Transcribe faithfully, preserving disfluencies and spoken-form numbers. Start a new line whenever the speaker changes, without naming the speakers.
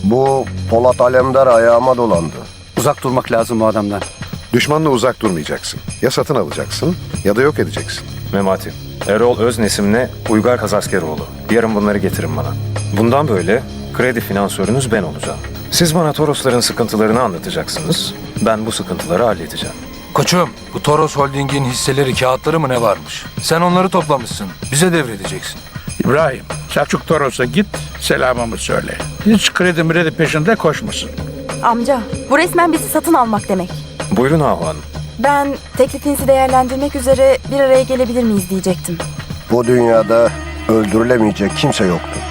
Bu Polat Alemdar ayağıma dolandı.
Uzak durmak lazım o adamdan.
Düşmanla uzak durmayacaksın. Ya satın alacaksın ya da yok edeceksin.
Memati, Erol Öznesim'le Uygar Kazaskeroğlu. Yarın bunları getirin bana. Bundan böyle kredi finansörünüz ben olacağım. Siz bana Torosların sıkıntılarını anlatacaksınız. Ben bu sıkıntıları halledeceğim.
Koçum, bu Toros Holding'in hisseleri, kağıtları mı ne varmış? Sen onları toplamışsın. Bize devredeceksin.
İbrahim, Selçuk Toros'a git, selamımı söyle. Hiç kredi mredi peşinde koşmasın.
Amca, bu resmen bizi satın almak demek.
Buyurun Ahu Hanım.
Ben teklifinizi değerlendirmek üzere bir araya gelebilir miyiz diyecektim.
Bu dünyada öldürülemeyecek kimse yoktur.